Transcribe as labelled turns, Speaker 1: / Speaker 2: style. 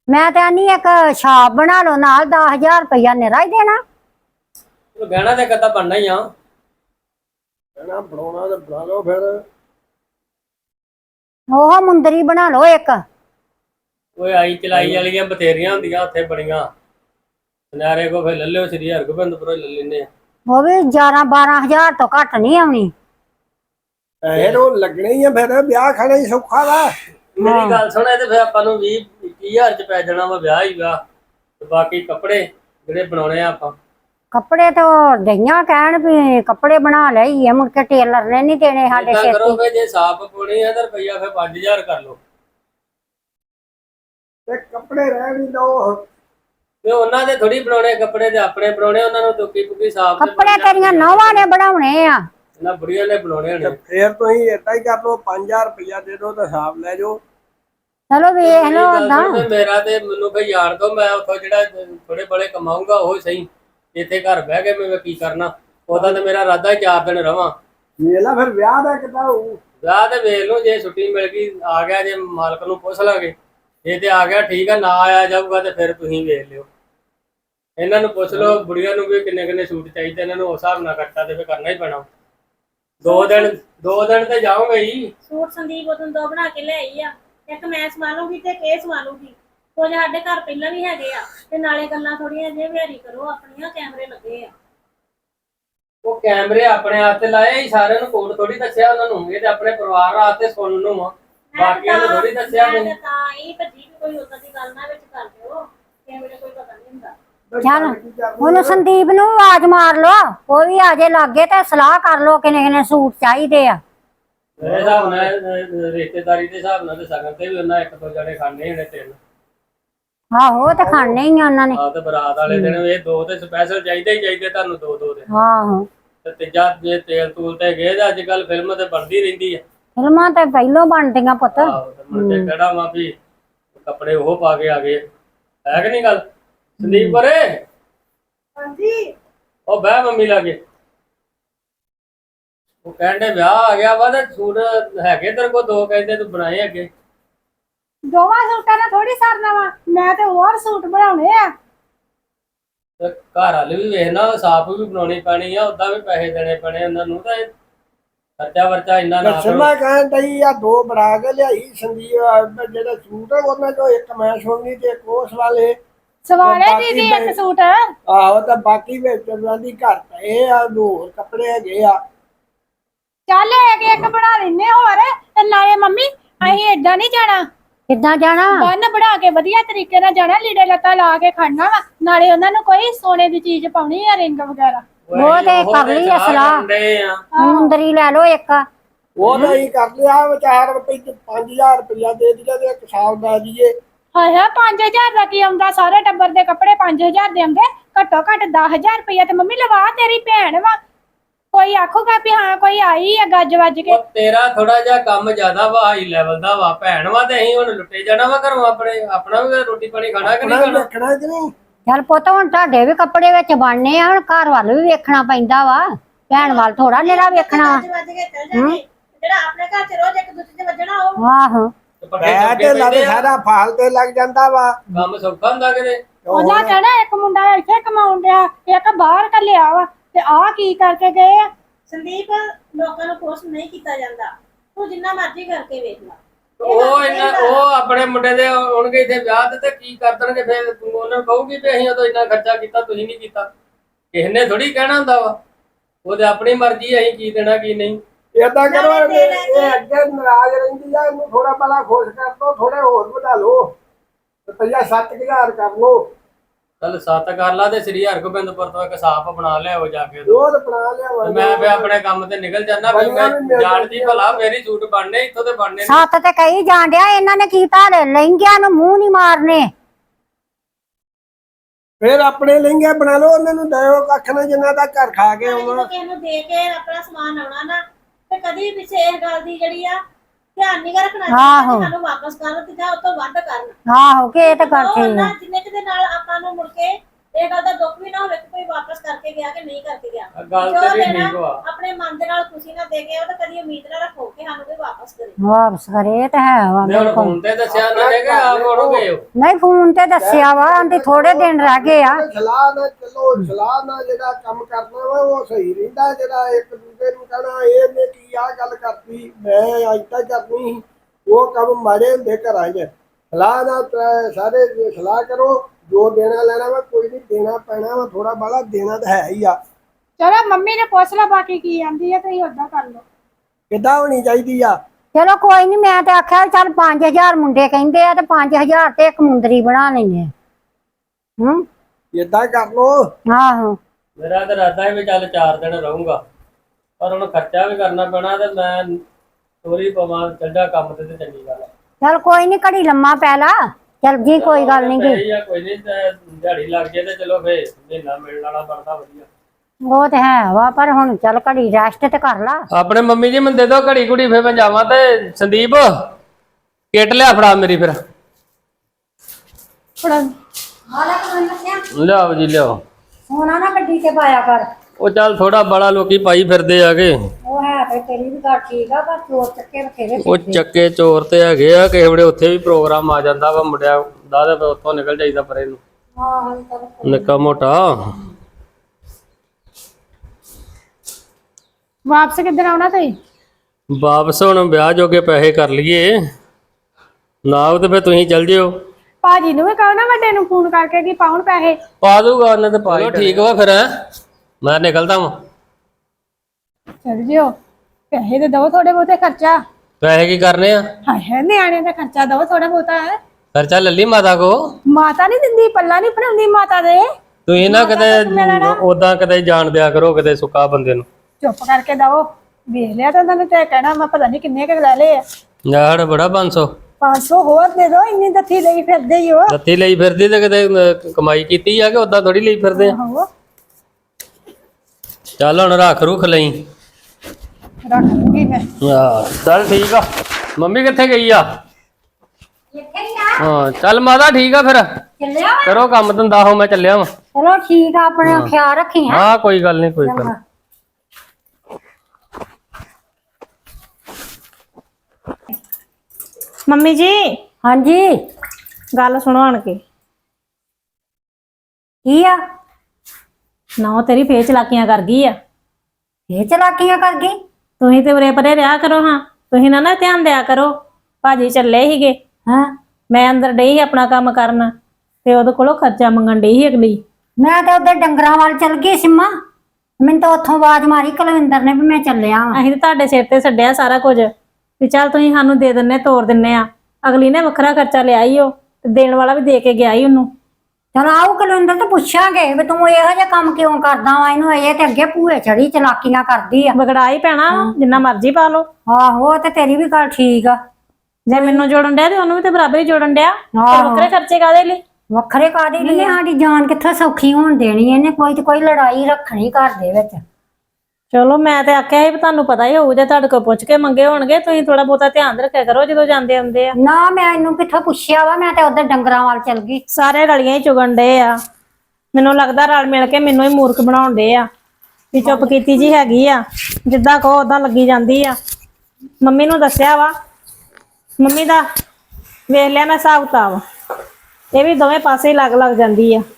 Speaker 1: ਮੈਂ ਤੇ ਆਨੀ ਇੱਕ ਛਾਪ ਬਣਾ ਲਓ ਨਾਲ 10,000 ਰੁਪਇਆ ਨਿਰਾ ਹੀ ਦੇਣਾ।
Speaker 2: ਗਹਿਣਾ ਤੇ ਕਦਾ ਬਣਨਾ ਹੀ ਆ।
Speaker 3: ਕਹਿਣਾ ਬਣਾਉਣਾ ਤੇ ਬਣਾ ਲਓ ਫਿਰ।
Speaker 1: ਉਹ ਮੁੰਦਰੀ ਬਣਾ ਲਓ ਇੱਕ।
Speaker 2: ਓਏ ਆਈ ਚਲਾਈ ਵਾਲੀਆਂ ਬਥੇਰੀਆਂ ਹੁੰਦੀਆਂ ਉੱਥੇ ਬੜੀਆਂ ਸੁਨਿਆਰੇ ਕੋ ਫਿਰ ਲੈ ਲਿਓ ਸ੍ਰੀ ਹਰਗੋਬਿੰਦਪੁਰੋਂ ਲੈ ਲੈਨੇ ਆ।
Speaker 1: ਉਹ ਵੀ 11-12,000 ਤੋਂ ਘੱਟ ਨਹੀਂ ਆਉਣੀ।
Speaker 3: ਪੈਸੇ ਨੂੰ ਲੱਗਣੇ ਹੀ ਆ ਫਿਰ ਵਿਆਹ ਖਾਣਾ ਹੀ ਸੌਖਾ ਵਾ।
Speaker 2: ਮੇਰੀ ਗੱਲ ਸੁਣ ਤੇ ਫਿਰ ਆਪਾਂ ਨੂੰ 20-21,000 ਚ ਪੈ ਜਾਣਾ ਵਾ ਵਿਆਹ ਹੀ ਵਿਆਹ ਤੇ ਬਾਕੀ ਕੱਪੜੇ ਜਿਹੜੇ ਬਣਾਉਣੇ ਆ ਆਪਾਂ।
Speaker 1: ਕੱਪੜੇ ਤਾਂ ਗਈਆਂ ਕਹਿਣ ਵੀ ਕੱਪੜੇ ਬਣਾ ਲਈਏ ਮੁੜ ਕੇ ਟੇਲਰ ਨੇ ਨਹੀਂ ਦੇਣੇ ਸਾਡੇ
Speaker 2: ਏਦਾਂ ਕਰੋ
Speaker 1: ਛੇਤੀ।
Speaker 2: ਫਿਰ ਜੇ ਸਾਫ ਪਾਉਣੀ ਆ ਤਾਂ ਰੁਪਈਆ ਫਿਰ 5,000 ਕਰ ਲਓ
Speaker 3: ਤੇ ਕੱਪੜੇ ਰਹਿ ਵੀ ਲਓ।
Speaker 2: ਤੇ ਉਹਨਾਂ ਦੇ ਥੋੜੀ ਬਣਾਉਣੇ ਕੱਪੜੇ ਤੇ ਆਪਣੇ ਬਣਾਉਣੇ ਉਹਨਾਂ ਨੂੰ ਟੁੱਕੀ ਪੁੱਕੀ ਸਾਫ
Speaker 1: ਕੱਪੜੇ ਤੇਰੀਆਂ ਨੌਵਾਂ ਨੇ ਬਣਾਉਣੇ ਆ।
Speaker 2: ਇਹਨਾਂ ਬੁੜੀਆਂ ਨੇ ਬਣਾਉਣੇ
Speaker 3: ਤੇ
Speaker 2: ਹੋਣੇ।
Speaker 3: ਫਿਰ ਤੁਸੀਂ ਏਦਾਂ ਹੀ ਕਰ ਲਓ 5,000 ਰੁਪਇਆ ਦੇ ਦਿਓ ਤੇ ਹਿਸਾਬ ਲੈ ਜਾਓ।
Speaker 1: ਚਲੋ ਵੇਖ
Speaker 2: ਮੇਰੀ
Speaker 1: ਲਓ
Speaker 2: ਗੱਲ
Speaker 1: ਓਦਾਂ।
Speaker 2: ਸੁਣ, ਮੇਰਾ ਤੇ ਮੈਨੂੰ ਫਿਰ ਯਾਰ ਦੋ ਮੈਂ ਉੱਥੋਂ ਜਿਹੜਾ ਥੋੜੇ ਬੜੇ ਕਮਾਊਂਗਾ ਉਹ ਸਹੀ। ਇੱਥੇ ਘਰ ਬਹਿ ਕੇ ਮੈਂ ਕੀ ਕਰਨਾ। ਉਹਦਾ ਤੇ ਮੇਰਾ ਇਰਾਦਾ ਹੀ 4 ਦਿਨ ਰਵਾਂ।
Speaker 3: ਵੇਖ ਲਾ ਫਿਰ ਵਿਆਹ ਦਾ ਕਿੱਦਾਂ ਹੋਊ।
Speaker 2: ਵਿਆਹ ਤੇ ਵੇਖ ਲਓ ਜੇ ਛੁੱਟੀ ਮਿਲ ਗਈ ਆ ਗਿਆ ਜੇ ਮਾਲਕ ਨੂੰ ਪੁੱਛ ਲਾਂਗੇ। ਜੇ ਤੇ ਆ ਗਿਆ ਠੀਕ ਆ ਨਾ ਆਇਆ ਜਾਊਗਾ ਤੇ ਫਿਰ ਤੁਸੀਂ ਵੇਖ ਲਿਓ। ਇਹਨਾਂ ਨੂੰ ਪੁੱਛ ਲਓ ਬੁੜੀਆਂ ਨੂੰ ਵੀ ਕਿੰਨੇ ਕਿੰਨੇ ਸੂਟ ਚਾਹੀਦੇ ਇਹਨਾਂ ਨੂੰ ਉਸ ਹਿਸਾਬ ਨਾਲ ਕੱਟਾ ਤੇ ਫਿਰ ਕਰਨਾ ਹੀ ਪੈਣਾ। 2 ਦਿਨ ਤੇ ਜਾਊਂਗਾ ਹੀ।
Speaker 4: ਸੂਟ ਸੰਦੀਪ ਉਦੋਂ ਦੋ ਬਣਾ ਕੇ ਲੈ ਆਈ ਆ। ਇੱਕ ਮੈਂ ਸਵਾ ਲੂੰਗੀ ਤੇ ਇਹ ਸਵਾ ਲੂੰਗੀ। ਕੁਝ ਸਾਡੇ ਘਰ ਪਹਿਲਾਂ ਵੀ ਹੈਗੇ ਆ ਤੇ ਨਾਲੇ ਗੱਲਾਂ ਥੋੜੀਆਂ ਜਿਹੀਆਂ ਵਿਹਾਰੀ ਕਰੋ ਆਪਣੀਆਂ ਕੈਮਰੇ ਲੱਗੇ ਆ।
Speaker 2: ਉਹ ਕੈਮਰੇ ਆਪਣੇ ਹੱਥ ਤੇ ਲਾਏ ਹੀ ਸਾਰਿਆਂ ਨੂੰ ਕੋਡ ਥੋੜੀ ਦੱਸਿਆ ਉਹਨਾਂ ਨੂੰ। ਇਹ ਤੇ ਆਪਣੇ ਪਰਿਵਾਰ ਵਾਸਤੇ ਸੁਣਨ ਨੂੰ ਆ ਬਾਕੀਆਂ ਨੂੰ ਥੋੜੀ ਦੱਸਿਆ
Speaker 4: ਮੈਂ
Speaker 2: ਮੈਨੂੰ।
Speaker 4: ਤਾਂ ਇਹ ਭੱਜੀ ਵੀ ਕੋਈ ਉਦਾਂ ਦੀ ਗੱਲ ਨਾ ਵਿੱਚ ਕਰ ਦਿਓ। ਕੈਮਰੇ ਕੋਈ ਪਤਾ ਨਹੀਂ ਹੁੰਦਾ।
Speaker 1: ਚੱਲ ਉਹਨੂੰ ਸੰਦੀਪ ਨੂੰ ਆਵਾਜ਼ ਮਾਰ ਲੋ ਉਹ ਵੀ ਆ ਜੇ ਲਾਗੇ ਤੇ ਸਲਾਹ ਕਰ ਲੋ ਕਿੰਨੇ ਕਿੰਨੇ ਸੂਟ ਚਾਹੀਦੇ ਆ।
Speaker 2: ਮੇਰੇ ਹਿਸਾਬ ਨਾਲ ਰਿਸ਼ਤੇਦਾਰੀ ਦੇ ਹਿਸਾਬ ਨਾਲ ਤੇ ਸਗਨ ਤੇ ਵੀ ਉਹਨਾਂ 1-2 ਜਣੇ ਖਾਣੇ ਹੋਣੇ 3।
Speaker 1: ਆਹੋ ਤੇ ਖਾਣੇ ਹੀ ਆ ਉਹਨਾਂ ਨੇ।
Speaker 2: ਆ ਤੇ ਬਰਾਤ ਵਾਲੇ ਦਿਨ ਇਹ 2 ਤੇ ਸਪੈਸ਼ਲ ਚਾਹੀਦੇ ਹੀ ਚਾਹੀਦੇ ਤੁਹਾਨੂੰ 2-2 ਦੇ।
Speaker 1: ਆਹੋ
Speaker 2: ਤੇ ਤੀਜਾ ਜੇ ਤੇਲ ਤੂਲ ਤੇ ਗਏ ਤਾਂ ਅੱਜ ਕੱਲ ਫਿਲਮ ਤੇ ਬਣਦੀ ਰਹਿੰਦੀ ਆ।
Speaker 1: ਫਿਲਮਾਂ ਤੇ ਪਹਿਲੋਂ ਬਣਦੀਆਂ ਪੁੱਤ।
Speaker 2: ਆਹੋ ਤੇ ਮੁੜ ਕੇ ਕਿਹੜਾ ਵਾ ਵੀ ਕੱਪੜੇ ਉਹ ਪਾ ਕੇ ਆ ਗਏ ਹੈ ਕਿ ਨਹੀਂ ਗੱਲ। ਸੰਦੀਪ ਬਰੇ
Speaker 4: ਹਾਂਜੀ
Speaker 2: ਉਹ ਬਹਿ ਮੰਮੀ ਲਾਗੇ। ਉਹ ਕਹਿੰਦੇ ਵਿਆਹ ਆ ਗਿਆ ਵਾ ਤੇ ਸੂਟ ਹੈਗੇ ਤੇਰੇ ਕੋਲ 2 ਕਹਿੰਦੇ ਤੂੰ ਬਣਾਏ ਅੱਗੇ।
Speaker 5: ਦੋਵਾਂ ਸੂਟਾਂ ਨਾਲ ਥੋੜੀ ਸਰਨਾ ਵਾ। ਮੈਂ ਤੇ ਹੋਰ ਸੂਟ ਬਣਾਉਣੇ ਆ।
Speaker 2: ਤੇ ਘਰ ਵਾਲੇ ਵੀ ਵੇਖਣਾ ਸਾਫ ਵੀ ਬਣਾਉਣੀ ਪੈਣੀ ਆ ਉਦਾਂ ਵੀ ਪੈਸੇ ਦੇਣੇ ਪੈਣੇ ਉਹਨਾਂ ਨੂੰ ਤਾਂ ਖਰਚਾ ਵਰਚਾ ਇੰਨਾ ਨਾ ਕਰੋ।
Speaker 3: ਦੱਸਣਾ ਕਹਿਣ ਤਈ ਆ 2 ਬਣਾ ਕੇ ਲਿਆਈ ਸੰਦੀਪ ਜਿਹੜਾ ਸੂਟ ਹੈ ਉਹਨਾਂ ਚੋਂ ਇੱਕ ਮੈਂ ਸੁਣਨੀ ਤੇ ਇੱਕ ਉਸ ਵਾਲੇ
Speaker 5: ਸਵਾਲੇ ਦੀਦੀ ਇੱਕ ਸੂਟ।
Speaker 3: ਆਹੋ ਤਾਂ ਬਾਕੀ ਵਿੱਚ ਦੀ ਘਰ ਪਏ ਆ ਹੋਰ ਕੱਪੜੇ ਹੈਗੇ ਆ।
Speaker 5: ਚੱਲ ਇੱਕ ਬਣਾ ਲੈਨੇ ਹੋਰ। ਤੇ ਨਾਲੇ ਮੰਮੀ ਅਸੀਂ ਏਦਾਂ ਨਹੀਂ ਜਾਣਾ।
Speaker 1: ਕਿੱਦਾਂ ਜਾਣਾ?
Speaker 5: ਬੰਨ ਬਣਾ ਕੇ ਵਧੀਆ ਤਰੀਕੇ ਨਾਲ ਜਾਣਾ। ਲੀੜੇ ਲੱਤਾ ਲਾ ਕੇ ਖੜਨਾ ਵਾ। ਨਾਲੇ ਉਹਨਾਂ ਨੂੰ ਕੋਈ ਸੋਨੇ ਦੀ ਚੀਜ਼ ਪਾਉਣੀ ਆ ਰਿੰਗ ਵਗੈਰਾ।
Speaker 1: ਉਹ ਤੇ ਕਰ ਲਈ ਆ ਸਲਾਹ। ਮੁੰਦਰੀ ਲੈ ਲਓ ਇੱਕ।
Speaker 3: ਉਹ ਤਾਂ ਹੀ ਕਰ ਲਿਆ 4 ਰੁਪਏ 5,000 ਰੁਪਇਆ ਦੇ ਦਿਆ ਤੇ ਇੱਕ ਸਾਲ ਦਾ ਦਈਏ।
Speaker 5: ਹਾਏ 5,000 ਦਾ ਕੀ ਆਉਂਦਾ। ਸਾਰੇ ਟੱਬਰ ਦੇ ਕੱਪੜੇ 5,000 ਦੇ ਆਉਂਦੇ। ਘੱਟੋ ਘੱਟ 10,000 ਰੁਪਇਆ ਤੇ ਮੰਮੀ ਲਵਾ ਤੇਰੀ ਭੈਣ ਵਾ। ਕੋਈ ਆਖੂਗਾ ਵੀ ਹਾਂ ਕੋਈ ਆਈ ਆ ਗੱਜ ਵੱਜ ਕੇ।
Speaker 2: ਤੇਰਾ ਥੋੜਾ ਜਿਹਾ ਕੰਮ ਜ਼ਿਆਦਾ ਵਾ ਹਾਈ ਲੈਵਲ ਦਾ ਵਾ ਭੈਣ ਵਾ ਤੇ ਅਸੀਂ ਹੁਣ ਲੁੱਟੇ ਜਾਣਾ ਵਾ ਘਰੋਂ ਆਪਣੇ ਆਪਣਾ ਵੀ ਰੋਟੀ ਪਾਣੀ ਖਾਣਾ ਕਿ ਨਹੀਂ ਖਾਣਾ।
Speaker 3: ਰੱਖਣਾ ਕਿ ਨਹੀਂ।
Speaker 1: ਚੱਲ ਪੁੱਤ ਹੁਣ ਤੁਹਾਡੇ ਵੀ ਕੱਪੜੇ ਵਿੱਚ ਬਣਨੇ ਆ ਹੁਣ ਘਰ ਵੱਲ ਵੀ ਵੇਖਣਾ ਪੈਂਦਾ ਵਾ। ਭੈਣ ਵੱਲ ਥੋੜਾ ਨਿਹਰਾ ਵੇਖਣਾ।
Speaker 4: ਵੱਜ ਕੇ ਚੱਲ ਜਾਗੇ। ਜਿਹੜਾ ਆਪਣੇ ਘਰ 'ਚ ਰੋਜ਼ ਇੱਕ ਦੂਜੇ ਤੇ ਵੱਜਣਾ ਉਹ।
Speaker 1: ਆਹੋ
Speaker 3: ਪੈ ਤੇ ਲੱਗ ਸਾਰਾ ਫਾਲ ਤੇ ਲੱਗ ਜਾਂਦਾ ਵਾ।
Speaker 2: ਕੰਮ ਸੌਖਾ ਹੁੰਦਾ ਕਿਤੇ।
Speaker 5: ਉਹਨਾਂ ਕਹਿਣਾ ਇੱਕ ਮੁੰਡਾ ਇੱਥੇ ਕਮਾਉਣ ਡਿਆ ਇੱਕ ਬਾਹਰ ਘੱਲਿਆ ਵਾ ਤੇ ਆਹ ਕੀ ਕਰਕੇ ਗਏ ਆ।
Speaker 4: ਸੰਦੀਪ ਲੋਕਾਂ ਨੂੰ ਖੁਸ਼ ਨਹੀਂ ਕੀਤਾ ਜਾਂਦਾ। ਤੂੰ ਜਿੰਨਾ ਮਰਜ਼ੀ ਕਰਕੇ ਵੇਖ ਲੈ।
Speaker 2: ਉਹ ਆਪਣੇ ਮੁੰਡੇ ਦੇ ਆਉਣਗੇ ਇੱਥੇ ਵਿਆਹ ਤੇ ਕੀ ਕਰ ਦੇਣਗੇ ਫਿਰ ਤੂੰ ਉਹਨਾਂ ਨੂੰ ਕਹੂਗੀ ਵੀ ਅਸੀਂ ਉਦੋਂ ਇੰਨਾ ਖਰਚਾ ਕੀਤਾ ਤੁਸੀਂ ਨਹੀਂ ਕੀਤਾ। ਕਿਸੇ ਨੇ ਥੋੜੀ ਕਹਿਣਾ ਹੁੰਦਾ ਵਾ। ਉਹ ਤੇ ਆਪਣੀ ਮਰਜ਼ੀ ਅਸੀਂ ਕੀ ਦੇਣਾ ਕੀ ਨਹੀਂ।
Speaker 3: ਏਦਾਂ ਕਰੋ ਇਹ ਅੱਗੇ ਨਾਰਾਜ਼ ਰਹਿੰਦੀ ਆ ਇਹਨੂੰ ਥੋੜਾ ਪਹਿਲਾਂ ਖੁਸ਼ ਕਰ ਦੋ ਥੋੜੇ ਹੋਰ ਵਧਾ ਲਓ ਰੁਪਈਆ 7,000 ਕਰ ਲਓ।
Speaker 2: ਚੱਲ 7 ਕਰ ਲਾ ਤੇ ਸ੍ਰੀ ਹਰਗੋਬਿੰਦਪੁਰ ਤੋਂ ਇੱਕ ਸਾਫ ਬਣਾ ਲਿਆਓ ਜਾ ਕੇ।
Speaker 3: ਰੋਜ਼ ਬਣਾ ਲਿਆ
Speaker 2: ਮੈਂ ਫਿਰ ਆਪਣੇ ਕੰਮ ਤੇ ਨਿਕਲ ਜਾਣਾ ਫਿਰ ਮੈਂ ਜਾਣਦੀ ਭਲਾ ਮੇਰੀ ਸੂਟ ਬਣਨੇ ਇੱਥੋਂ ਤੇ ਬਣਨੇ।
Speaker 1: ਸੱਤ ਤੇ ਕਹੀ ਜਾਣ ਡਿਆ ਇਹਨਾਂ ਨੇ ਕੀਤਾ ਲਹਿੰਗਿਆਂ ਨੂੰ ਮੂੰਹ ਨਹੀਂ ਮਾਰਨੇ।
Speaker 3: ਫਿਰ ਆਪਣੇ ਲਹਿੰਗੇ ਬਣਾ ਲਓ ਉਹਨਾਂ ਨੂੰ ਦਿਓ ਕੱਖ ਨਾ ਜਿੰਨਾ ਦਾ ਘਰ ਖਾ ਕੇ ਆਉਣਾ।
Speaker 4: ਜਦੋਂ ਕਿਸੇ ਨੂੰ ਦੇ ਕੇ ਆਪਣਾ ਸਮਾਨ ਆਉਣਾ ਨਾ ਤੇ ਕਦੀ ਵੀ ਪਿੱਛੇ ਇਹ ਗੱਲ ਦੀ ਜਿਹੜੀ ਆ ਧਿਆਨ ਨਹੀਂ ਰੱਖਣਾ ਚਾਹੀਦਾ। ਸਾਨੂੰ ਵਾਪਸ ਕਰਨ ਤੇ ਜਾਂ ਉਹ ਤੋਂ ਵੱਧ ਕਰਨ।
Speaker 1: ਆਹੋ ਕਿ ਇਹ ਤਾਂ ਕਰ
Speaker 4: ਨਾ ਜਿੰਨੇ ਕਿਤੇ ਨਾਲ ਆਪਾਂ ਨੂੰ ਮੁੜ ਕੇ ਇਹ ਗੱਲ ਦਾ ਦੁੱਖ ਵੀ ਨਾ ਹੋਵੇ ਕਿ ਕੋਈ ਵਾਪਸ ਕਰਕੇ ਗਿਆ ਕਿ ਨਹੀਂ ਕਰਕੇ ਗਿਆ।
Speaker 2: ਗੱਲ
Speaker 4: ਜੋ
Speaker 2: ਤੇਰੀ
Speaker 4: ਦੇਣਾ
Speaker 2: ਠੀਕ ਵਾ।
Speaker 4: ਆਪਣੇ ਮਨ ਦੇ ਨਾਲ ਖੁਸ਼ੀ ਨਾਲ ਦੇ ਕੇ ਉਹ ਤਾਂ ਕਦੀ ਉਮੀਦ ਨਾ ਰੱਖੋ ਕਿ ਸਾਨੂੰ ਕੋਈ ਵਾਪਸ ਕਰੇ।
Speaker 1: ਵਾਪਸ ਕਰੇ ਇਹ ਤਾਂ ਹੈ ਵਾ
Speaker 2: ਮੈਂ ਹੁਣ
Speaker 1: ਬਿਲਕੁਲ।
Speaker 2: ਫੋਨ ਤੇ ਦੱਸਿਆ ਉਹਨਾਂ ਨੇ ਕਿ ਆਪ ਕੋਲੋਂ ਗਏ ਹੋ।
Speaker 1: ਨਹੀਂ ਫੋਨ ਤੇ ਦੱਸਿਆ ਵਾ ਆਂਦੀ ਥੋੜੇ ਦਿਨ ਰਹਿ ਗਏ ਆ।
Speaker 3: ਸਲਾਹ ਨਾਲ ਚਲੋ, ਸਲਾਹ ਨਾਲ ਜਿਹੜਾ ਕੰਮ ਕਰਨਾ ਵਾ ਉਹ ਸਹੀ ਰਹਿੰਦਾ। ਜਿਹੜਾ ਇੱਕ ਦੂਜੇ ਨੂੰ ਕਹਿਣਾ ਇਹਨੇ ਕੀ ਆ ਗੱਲ ਕਰਤੀ, ਮੈਂ ਅੱਜ ਤੱਕ ਕਰਨੀ ਸੀ, ਉਹ ਕੰਮ ਮਾੜੇ ਹੁੰਦੇ ਘਰਾਂ 'ਚ। ਸਲਾਹ ਨਾਲ ਸਾਰੇ ਸਲਾਹ ਕਰੋ, ਜੋ ਦੇਣਾ ਲੈਣਾ ਵਾ ਕੋਈ ਨਹੀਂ, ਦੇਣਾ ਪੈਣਾ ਵਾ, ਥੋੜਾ ਬਾਲਾ ਦੇਣਾ ਤਾਂ ਹੈ ਹੀ ਆ।
Speaker 5: ਚਲੋ ਮੰਮੀ ਨੇ ਪੁੱਛ ਲਾ ਬਾਕੀ ਕੀ ਆਂਦੀ ਆ, ਤੁਸੀਂ ਓਦਾਂ ਕਰ ਲਓ।
Speaker 3: ਕਿੱਦਾਂ ਹੋਣੀ ਚਾਹੀਦੀ ਆ?
Speaker 1: ਚਲੋ ਕੋਈ ਨਹੀਂ, ਮੈਂ ਤੇ ਆਖਿਆ ਚੱਲ 5000 ਮੁੰਡੇ ਕਹਿੰਦੇ ਆ ਤੇ 5000 ਤੇ ਇੱਕ ਮੁੰਦਰੀ ਬਣਾ ਲੈਨੇ ਆ।
Speaker 3: ਏਦਾਂ ਕਰ ਲੋ।
Speaker 1: ਆਹੋ
Speaker 2: ਮੇਰਾ ਤਾਂ ਇਰਾਦਾ ਹੈ ਵੀ ਚੱਲ 4 ਦਿਨ ਰਹੂੰਗਾ, ਪਰ ਹੁਣ ਖਰਚਾ ਵੀ ਕਰਨਾ ਪੈਣਾ ਤੇ ਮੈਂ ਤੋਰੀ ਪਵਾਂ ਚੱਲਦਾ ਕੰਮ ਤੇ ਚੰਗੀ ਗੱਲ ਹੈ।
Speaker 1: ਚਲ ਕੋਈ ਨਹੀਂ, ਘੜੀ ਲੰਮਾ ਪੈ ਲਾ, ਚਲ ਜੀ ਕੋਈ ਗੱਲ ਨਹੀਂ ਗੀ।
Speaker 2: ਕੋਈ ਨਹੀਂ, ਦਿਹਾੜੀ ਲੱਗ ਜੇ ਤੇ ਚਲੋ ਫੇ ਮਹੀਨਾ ਮਿਲਣ ਵਾਲਾ ਬਣਦਾ ਵਧੀਆ।
Speaker 1: ਉਹ ਤੇ ਹੈ ਵਾ, ਪਰ ਹੁਣ ਚੱਲ ਘੜੀ ਰੈਸਟ ਤੇ ਕਰ ਲਾ।
Speaker 2: ਆਪਣੇ ਮੰਮੀ ਜੀ ਮੈਨੂੰ ਦੇ ਦੋ ਘੜੀ ਘੁੜੀ, ਫੇ ਮੈਂ ਜਾਵਾਂ। ਤੇ ਸੰਦੀਪ ਕਿਟ ਲਿਆ ਫੜਾ ਮੇਰੀ ਫਿਰ। ਲਿਆਓ ਜੀ ਲਿਆਓ।
Speaker 1: ਸੋਨਾ ਨਾ ਗੱਡੀ ਤੇ ਪਾਇਆ ਕਰ।
Speaker 2: ਉਹ ਚੱਲ ਥੋੜਾ ਬੜਾ ਲੋਕੀ ਪਾਈ ਫਿਰਦੇ ਆਗੇ।
Speaker 1: ਉਹ ਹੈ ਤੇ ਤੇਰੀ ਵੀ ਗੱਲ ਠੀਕ ਆ, ਪਰ ਚੋਰ ਚੱਕੇ ਬਥੇਰੇ
Speaker 2: ਉਹ ਚੱਕੇ ਚੋਰ ਤੇ ਹੈਗੇ ਆ, ਕਿਸੇ ਵੇਲੇ ਉੱਥੇ ਵੀ ਪ੍ਰੋਗਰਾਮ ਆ ਜਾਂਦਾ ਵਾ ਮੁੰਡਿਆਂ ਦਾ, ਤੇ ਉੱਥੋਂ ਨਿਕਲ ਜਾਈਦਾ ਪਰੇ ਨੂੰ ਨਿੱਕਾ ਮੋਟਾ।
Speaker 5: ਵਾਪਸ ਕਿੱਦਣ ਆਉਣਾ ਤੁਸੀਂ?
Speaker 2: ਵਾਪਸ ਹੁਣ ਵਿਆਹ ਜੋਗੇ ਪੈਸੇ ਕਰ ਲਈਏ ਨਾ, ਉਹ ਤੇ ਫੇ ਤੁਸੀਂ ਚੱਲ ਜਿਓ।
Speaker 5: ਭਾਜੀ ਨੂੰ ਵੀ ਕਹੋ ਨਾ ਵੱਡੇ ਨੂੰ ਫੋਨ ਕਰਕੇ ਕਿ ਪਾਉਣ ਪੈਸੇ।
Speaker 2: ਪਾ ਦੂਗਾ ਉਹਨੇ ਤੇ ਪਾ। ਠੀਕ ਵਾ ਫਿਰ, ਮੈਂ ਨਿਕਲਦਾ ਵਾਂ।
Speaker 5: ਚਲ ਜਿਓ, ਪੈਸੇ ਤੇ ਦਵੋ ਥੋੜੇ ਬਹੁਤੇ ਖਰਚਾ।
Speaker 2: ਪੈਸੇ ਕੀ ਕਰਨੇ ਆ?
Speaker 5: ਹਾਏ ਹਾਏ, ਨਿਆਣੇ ਦਾ ਖਰਚਾ ਦਵੋ ਥੋੜਾ ਬਹੁਤਾ।
Speaker 2: ਖਰਚਾ ਲੱਲੀ ਮਾਤਾ ਕੋ।
Speaker 5: ਮਾਤਾ ਨਹੀਂ ਦਿੰਦੀ, ਪੱਲਾ ਨਹੀਂ ਫੜਾਉਂਦੀ ਮਾਤਾ ਦੇ।
Speaker 2: ਤੁਸੀਂ ਨਾ ਕਿਤੇ ਉਦਾਂ ਕਿਤੇ ਜਾਣ ਦਿਆ ਕਰੋ ਕਿਤੇ ਸੁੱਕਾ ਬੰਦੇ ਨੂੰ।
Speaker 5: ਚੁੱਪ ਕਰਕੇ ਦਵੋ, ਵੇਖ ਲਿਆ ਤਾਂ ਉਹਨਾਂ ਨੇ ਤੇ ਕਹਿਣਾ ਮੈਂ ਪਤਾ ਨਹੀਂ ਕਿੰਨੇ ਕੁ ਲੈ ਲਏ ਆ।
Speaker 2: ਯਾਰ ਬੜਾ 500
Speaker 5: 500 ਹੋਰ ਦੇ ਦੋ, ਇੰਨੀ ਦੱਥੀ ਲਈ ਫਿਰਦੇ ਹੀ ਹੋ।
Speaker 2: ਲੱਤੀ ਲਈ ਫਿਰਦੀ ਤੇ ਕਿਤੇ ਕਮਾਈ ਕੀਤੀ ਆ ਕਿ ਉਦਾਂ ਥੋੜੀ ਲਈ ਫਿਰਦੇ ਆ।
Speaker 5: ਆਹੋ,
Speaker 2: ਚੱਲ ਹੁਣ ਰੱਖ ਰੁਖ ਲਈ।
Speaker 5: ਰੱਖ ਲੂੰਗੀ ਮੈਂ।
Speaker 2: ਚੱਲ ਠੀਕ ਆ। ਮੰਮੀ ਕਿੱਥੇ ਗਈ ਆ? ਹਾਂ ਚੱਲ ਮਾਤਾ ਠੀਕ ਆ ਫਿਰ,
Speaker 1: ਚੱਲਿਆ ਵਾ।
Speaker 2: ਕਰੋ ਕੰਮ ਧੰਦਾ। ਹੋ ਮੈਂ ਚੱਲਿਆ ਵਾਂ।
Speaker 1: ਚਲੋ ਠੀਕ ਆ, ਆਪਣਾ ਖਿਆਲ ਰੱਖੀ ਹੈ।
Speaker 2: ਹਾਂ ਕੋਈ ਗੱਲ ਨਹੀਂ, ਕੋਈ ਗੱਲ ਨੀ।
Speaker 4: ਮੰਮੀ ਜੀ
Speaker 1: ਹਾਂਜੀ
Speaker 4: ਗੱਲ ਸੁਣੋ ਆਣ ਕੇ।
Speaker 1: ਕੀ ਆ?
Speaker 4: ਨਾ ਤੇਰੀ ਫੇਰ ਚਲਾਕੀਆਂ ਕਰ ਗਈ ਆ।
Speaker 1: ਇਹ ਚਲਾਕੀਆਂ ਕਰ ਗਈ?
Speaker 4: ਤੁਸੀਂ ਤੇ ਉਰੇ ਪਰੇ ਰਿਹਾ ਕਰੋ ਹਾਂ, ਤੁਸੀਂ ਨਾ ਧਿਆਨ ਦਿਆ ਕਰੋ। ਭਾਜੀ ਚੱਲੇ ਸੀਗੇ,
Speaker 1: ਹਾਂ
Speaker 4: ਮੈਂ ਅੰਦਰ ਡਈ ਸੀ ਆਪਣਾ ਕੰਮ ਕਰਨ, ਤੇ ਉਹਦੇ ਕੋਲੋਂ ਖਰਚਾ ਮੰਗਣ ਡਈ ਸੀ ਅਗਲੀ।
Speaker 1: ਮੈਂ ਤਾਂ ਉਧਰ ਡੰਗਰਾਂ ਵੱਲ ਚਲ ਗਈ ਸਿੰਮਾ, ਮੈਨੂੰ ਤਾਂ ਉੱਥੋਂ ਆਵਾਜ਼ ਮਾਰੀ ਕੁਲਵਿੰਦਰ ਨੇ ਵੀ ਮੈਂ ਚੱਲਿਆ ਵਾਂ।
Speaker 4: ਅਸੀਂ ਤਾਂ ਤੁਹਾਡੇ ਸਿਰ ਤੇ ਛੱਡਿਆ ਸਾਰਾ ਕੁਝ ਵੀ ਚੱਲ ਤੁਸੀਂ ਸਾਨੂੰ ਦੇ ਦਿੰਨੇ, ਤੋਰ ਦਿੰਨੇ ਆ। ਅਗਲੀ ਨੇ ਵੱਖਰਾ ਖਰਚਾ ਲਿਆ ਹੀ ਉਹ, ਤੇ ਦੇਣ ਵਾਲਾ ਵੀ ਦੇ ਕੇ ਗਿਆ ਹੀ ਉਹਨੂੰ।
Speaker 1: ਚਲ ਆਓ ਕੁਲਵਿੰਦਰ ਤੋਂ ਪੁੱਛਾਂਗੇ ਵੀ ਤੂੰ ਇਹੋ ਜਿਹਾ ਕੰਮ ਕਿਉਂ ਕਰਦਾ ਵਾ। ਇਹਨੂੰ ਇਹ ਤੇ ਅੱਗੇ ਭੂਏ ਚੜੀ ਚਲਾਕੀਆਂ ਕਰਦੀ ਆ।
Speaker 4: ਵਿਗੜਾ ਹੀ ਪੈਣਾ ਜਿੰਨਾ ਮਰਜ਼ੀ ਪਾ ਲਓ।
Speaker 1: ਆਹੋ ਉਹ ਤੇ ਤੇਰੀ ਵੀ ਗੱਲ ਠੀਕ ਆ।
Speaker 4: ਜੇ ਮੈਨੂੰ ਜੋੜਨ ਡਿਆ ਤੇ ਉਹਨੂੰ ਵੀ ਤੇ ਬਰਾਬਰ ਹੀ ਜੋੜਨ ਡਿਆ। ਤੇ
Speaker 1: ਆਹੋ।
Speaker 4: ਵੱਖਰੇ ਖਰਚੇ ਕਾਦੇ ਲਈ?
Speaker 1: ਵੱਖਰੇ ਕਾਦੇ ਲਈ? ਸਾਡੀ ਜਾਨ ਕਿੱਥੋਂ ਸੌਖੀ ਹੋਣ ਦੇਣੀ, ਇਹਨੇ ਕੋਈ ਤੇ ਕੋਈ ਲੜਾਈ ਰੱਖਣੀ ਘਰ ਦੇ ਵਿੱਚ।
Speaker 4: ਚਲੋ ਮੈਂ ਤੇ ਆਖਿਆ ਸੀ ਵੀ ਤੁਹਾਨੂੰ ਪਤਾ ਹੀ ਹੋਊ, ਜੇ ਤੁਹਾਡੇ ਕੋਲ ਪੁੱਛ ਕੇ ਮੰਗੇ ਹੋਣਗੇ। ਤੁਸੀਂ ਥੋੜਾ ਬਹੁਤਾ ਧਿਆਨ ਰੱਖਿਆ ਕਰੋ ਜਦੋਂ ਜਾਂਦੇ ਆਉਂਦੇ ਆ।
Speaker 1: ਨਾ ਮੈਂ ਇਹਨੂੰ ਕਿੱਥੋਂ ਪੁੱਛਿਆ ਵਾ, ਮੈਂ ਤੇ ਉਧਰ ਡੰਗਰਾਂ ਵੱਲ ਚਲ ਗਈ।
Speaker 4: ਸਾਰੇ ਰਲੀਆਂ ਹੀ ਚੁਗਣ ਡੇ ਆ। ਮੈਨੂੰ ਲੱਗਦਾ ਰਲ ਮਿਲ ਕੇ ਮੈਨੂੰ ਹੀ ਮੂਰਖ ਬਣਾਉਣ ਡੇ ਆ ਵੀ ਚੁੱਪ ਕੀਤੀ ਜੀ ਹੈਗੀ ਆ, ਜਿੱਦਾਂ ਕਹੋ ਉਦਾਂ ਲੱਗੀ ਜਾਂਦੀ ਆ। ਮੰਮੀ ਨੂੰ ਦੱਸਿਆ ਵਾ, ਮੰਮੀ ਦਾ ਵੇਖ ਲਿਆ ਮੈਂ ਹਿਸਾਬ ਕਿਤਾਬ, ਇਹ ਵੀ ਦੋਵੇਂ ਪਾਸੇ ਹੀ ਲੱਗ ਜਾਂਦੀ ਆ।